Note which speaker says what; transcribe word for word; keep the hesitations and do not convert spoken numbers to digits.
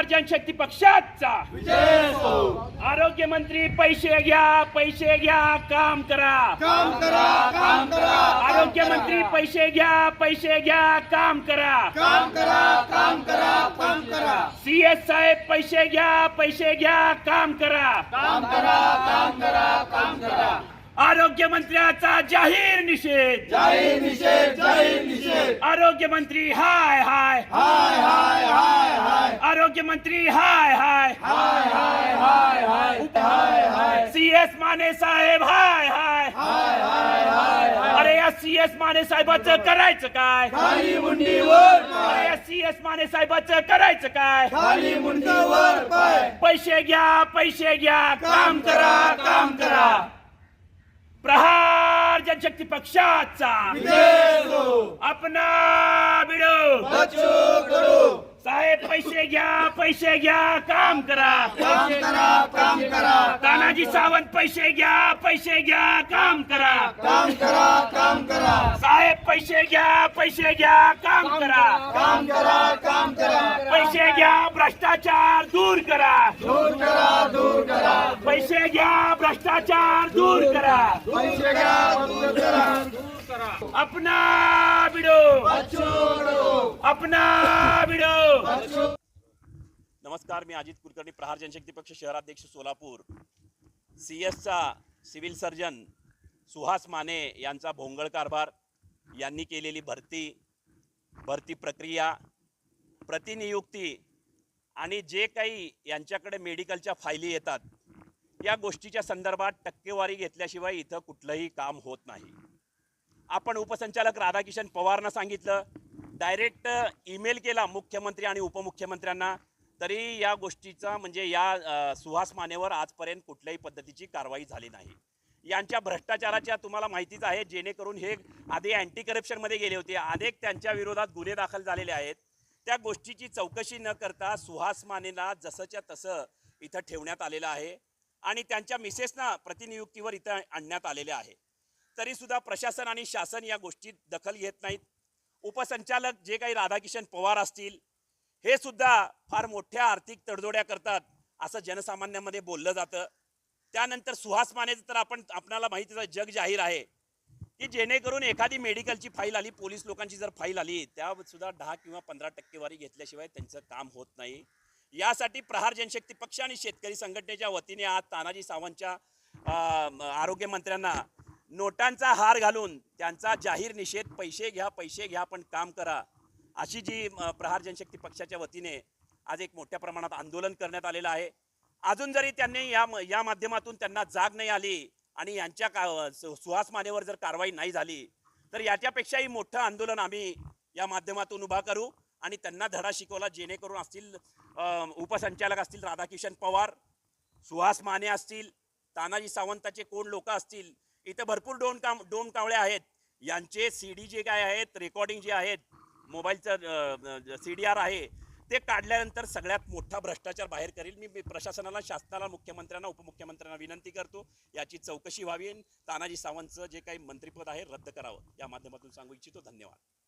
Speaker 1: प्रहार जनशक्ती पक्षाचा आरोग्य मंत्री पैसे घ्या पैसे घ्या काम करा
Speaker 2: काम करा काम करा
Speaker 1: आरोग्य मंत्री पैसे घ्या पैसे घ्या काम करा
Speaker 2: काम करा काम करा काम करा
Speaker 1: सीएस साहेब पैसे घ्या पैसे घ्या काम करा
Speaker 2: काम करा काम करा काम करा
Speaker 1: आरोग्य मंत्र्याचा जाहीर निषेध
Speaker 2: जाहीर निषेध जाहीर निषेध
Speaker 1: आरोग्य मंत्री हाय हाय
Speaker 2: हाय हाय हाय हाय
Speaker 1: आरोग्य मंत्री हाय हाय
Speaker 2: हाय हाय हाय हाय हाय हाय
Speaker 1: सीएस माने साहेब हाय हाय
Speaker 2: हाय हाय हाय हाय
Speaker 1: अरे या सीएस माने साहेबाचं करायचं काय
Speaker 2: खाली मुंडी वर
Speaker 1: अरे
Speaker 2: पाय
Speaker 1: या सीएस माने साहेबाचं करायचं काय
Speaker 2: खाली मुंडी वर पाय
Speaker 1: पैसे घ्या पैसे घ्या
Speaker 2: काम करा काम करा
Speaker 1: प्रहार जनशक्ती पक्षाचा
Speaker 2: विजय हो
Speaker 1: अपना बिडो
Speaker 2: बच्चों करो
Speaker 1: साहेब पैसे घ्या पैसे घ्या काम करा
Speaker 2: काम करा काम करा
Speaker 1: तानाजी सावंत पैसे घ्या पैसे घ्या काम करा
Speaker 2: काम करा काम करा
Speaker 1: साहेब पैसे घ्या पैसे घ्या काम करा
Speaker 2: काम करा काम करा
Speaker 1: पैसे घ्या भ्रष्टाचार दूर करा
Speaker 2: दूर करा दूर करा
Speaker 1: पैसे घ्या भ्रष्टाचार दूर करा
Speaker 2: पैसे घ्या दूर करा
Speaker 1: अपना बिडो
Speaker 2: बच्चों करो
Speaker 1: अपना बिडो
Speaker 2: बच्चों
Speaker 3: नमस्कार, मी अजित कुलकर्णी, प्रहार जनशक्ती पक्ष शहराध्यक्ष सोलापूर. सीएसचा सिव्हिल सर्जन सुहास माने यांचा भोंगळ कारभार, यांनी केलेली भरती भरती प्रक्रिया, प्रतिनियुक्ती आणि जे काही यांच्याकडे मेडिकलच्या फायली येतात, या गोष्टीच्या संदर्भात टक्केवारी घेतल्याशिवाय इथं कुठलंही काम होत नाही. आपण उपसंचालक राधाकिशन पवारना सांगितलं, डायरेक्ट ईमेल केला मुख्यमंत्री आणि उपमुख्यमंत्र्यांना, तरी या गोष्टीचा म्हणजे या सुहास मानेवर आजपर्यंत कुठल्याही पद्धतीची कारवाई झाली नाही. यांच्या भ्रष्टाचाराच्या तुम्हाला माहितीच आहे, जेणेकरून हे आधी अँटी करप्शनमध्ये गेले होते, अनेक त्यांच्या विरोधात गुन्हे दाखल झालेले आहेत. त्या गोष्टीची चौकशी न करता सुहास मानेला जसंच्या तसं इथं ठेवण्यात आलेलं आहे आणि त्यांच्या मिसेसना प्रतिनियुक्तीवर इथं आणण्यात आलेले आहे. तरीसुद्धा प्रशासन आणि शासन या गोष्टीत दखल घेत नाहीत. उपसंचालक जे काही राधाकिशन पवार असतील, हे सुद्धा फार मोठ्या आर्थिक तडजोड्या करतात असं जनसामान्यांमध्ये बोललं जातं. त्यानंतर सुहास मानेचं तर आपण आपणाला माहितीच आहे, जग जाहीर आहे की जेणेकरून एखादी मेडिकलची फाईल आली, पोलीस लोकांची जर फाईल आली, त्या सुद्धा दहा किंवा पंधरा टक्केवारी घेतल्याशिवाय त्यांचं काम होत नाही. यासाठी प्रहार जनशक्ती पक्ष आणि शेतकरी संघटनेच्या वतीने आज तानाजी सावंतच्या आरोग्य मंत्र्यांना नोटांचा हार घालून त्यांचा जाहीर निषेध, पैसे घ्या पैसे घ्या पण काम करा, अशी जी प्रहार जनशक्ती पक्षाच्या वतीने आज एक मोठ्या प्रमाणात आंदोलन करण्यात आलेलं आहे. अजून जरी त्यांनी या या माध्यमातून त्यांना जाग नाही आली आणि यांच्या का सुहास मानेवर जर कारवाई नाही झाली, तर याच्यापेक्षाही मोठं आंदोलन आम्ही या माध्यमातून उभा करू आणि त्यांना धडा शिकवला, जेणेकरून असतील उपसंचालक असतील राधाकिशन पवार, सुहास माने असतील, तानाजी सावंताचे कोण लोक असतील, इथं भरपूर डोन काम डोम कावळे आहेत, यांचे सी डी जे काय आहेत, रेकॉर्डिंग जे आहेत, मोबाईलचं सी डी आर आहे, ते काढल्यानंतर सगळ्यात मोठा भ्रष्टाचार बाहेर करेल. मी प्रशासनाला, शासनाला, मुख्यमंत्र्यांना, उपमुख्यमंत्र्यांना विनंती करतो, याची चौकशी व्हावी, तानाजी सावंतचं जे काही मंत्रिपद आहे रद्द करावं, या माध्यमातून सांगू इच्छितो. धन्यवाद.